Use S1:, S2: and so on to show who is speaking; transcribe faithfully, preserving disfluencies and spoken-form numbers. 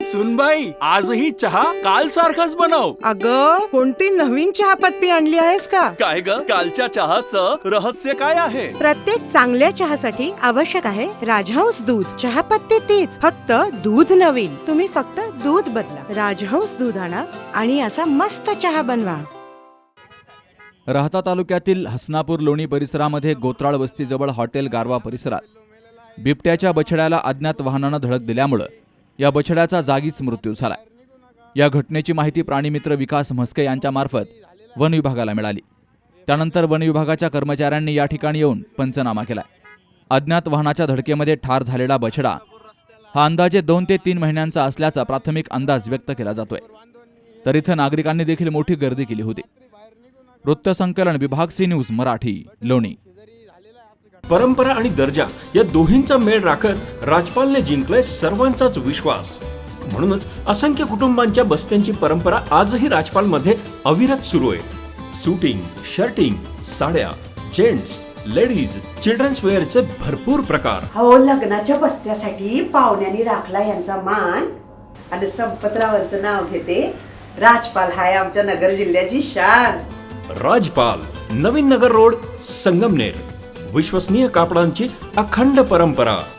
S1: सुनबाई, आजही चहा काल सारखाच बनव.
S2: अगं, कोणती नवीन चहापत्ती आणली आहेस का?
S1: काय ग, कालच्या चहाचं रहस्य काय आहे?
S2: प्रत्येक चांगल्या चहासाठी आवश्यक आहे राजहंस दूध. चहापत्ती तीच, फक्त दूध नवीन. तुम्ही फक्त दूध बदला. राजहंस दूध आणा आणि असा मस्त चहा बनवा.
S3: राहता तालुक्यातील हसनापूर लोणी परिसरामध्ये गोत्राळ वस्तीजवळ हॉटेल गारवा परिसरात बिबट्याच्या बछड्याला अज्ञात वाहनानं धडक दिल्यामुळं या बछड्याचा जागीच मृत्यू झाला. या घटनेची माहिती प्राणीमित्र विकास म्हस्के यांच्यामार्फत वन विभागाला मिळाली. त्यानंतर वन विभागाच्या कर्मचाऱ्यांनी या ठिकाणी येऊन पंचनामा केला. अज्ञात वाहनाच्या धडकेमध्ये ठार झालेला बछडा हा अंदाजे दोन ते तीन महिन्यांचा असल्याचा प्राथमिक अंदाज व्यक्त केला जातोय. तर इथं नागरिकांनी देखील मोठी गर्दी केली होती. वृत्तसंकलन विभाग सी न्यूज मराठी, लोणी.
S4: परंपरा आणि दर्जा या दोन्हींचा मेळ राखत राजपालने जिंकलाय सर्वांचाच विश्वास. म्हणूनच असंख्य कुटुंबांच्या बस्त्यांची परंपरा आजही राजपालमध्ये अविरत सुरू आहे. सूटिंग, शर्टिंग, साड्या, जेंट्स, लेडीज, चिल्ड्रन्स वेअरचे भरपूर प्रकार.
S5: हो, लग्नाच्या बस्त्यासाठी पाहुण्यांनी राखला यांचा मान. आणि संपतरावांचं नाव घेते. राजपाल हाय आमच्या नगर जिल्ह्याची शान.
S4: राजपाल, नवीन नगर रोड, संगमनेर. विश्वसनीय कापडांची अखंड परंपरा.